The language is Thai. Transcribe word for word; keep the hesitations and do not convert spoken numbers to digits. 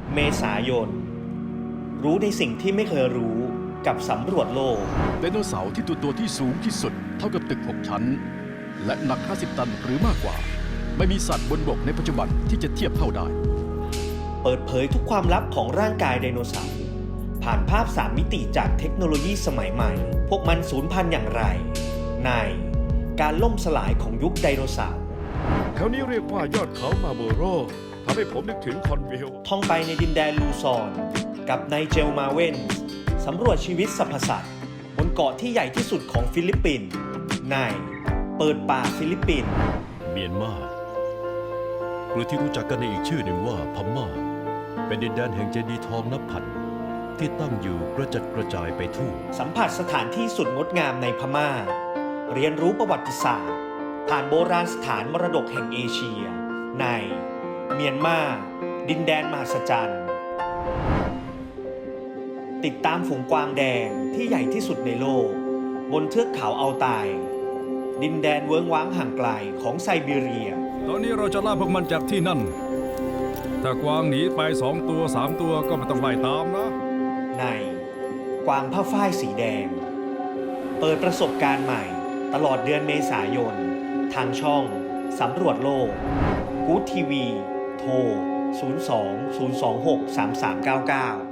เมษายนรู้ในสิ่งที่ไม่เคยรู้กับสำรวจโลกไดโนเสาร์ที่ตัวตัวที่สูงที่สุดเท่ากับตึกหกชั้นและหนักห้าสิบตันหรือมากกว่าไม่มีสัตว์บนบกในปัจจุบันที่จะเทียบเท่าได้เปิดเผยทุกความลับของร่างกายไดโนเสาร์ผ่านภาพสามมิติจากเทคโนโลยีสมัยใหม่พวกมันสูญพันธุ์อย่างไรในการล่มสลายของยุคไดโนเสาร์แถวนี้เรียกว่ายอดเขามาโบโรทำให้ผมนึกถึงคอนวิลท่องไปในดินแดนลูซอนกับไนเจลมาเวนสำรวจชีวิตสรรพสัตว์บนเกาะที่ใหญ่ที่สุดของฟิลิปปินส์ในเปิดป่าฟิลิปปินส์เมียนมาหรือที่รู้จักกันในอีกชื่อหนึ่งว่าพม่าเป็นดินแดนแห่งเจดีย์ทองนับพันที่ตั้งอยู่กระจัดกระจายไปทั่วสัมผัสสถานที่สุดงดงามในพม่าเรียนรู้ประวัติศาสตร์ผ่านโบราณสถานมรดกแห่งเอเชียในเมียนมาดินแดนมหัศจรรย์ติดตามฝูงกวางแดงที่ใหญ่ที่สุดในโลกบนเทือกเขาอัลไตายดินแดนเวิ้งว้างห่างไกลของไซบีเรียตอนนี้เราจะล่าพวกมันจากที่นั่นถ้ากวางหนีไปสองตัวสามตัวก็ไม่ต้องไล่ตามนะในกวางผ้าฝ้ายสีแดงเปิดประสบการณ์ใหม่ตลอดเดือนเมษายนทางช่องสำรวจโลกกู๊ดทีวีโทรศูนย์ สอง ศูนย์ สอง หก สาม สาม เก้า เก้า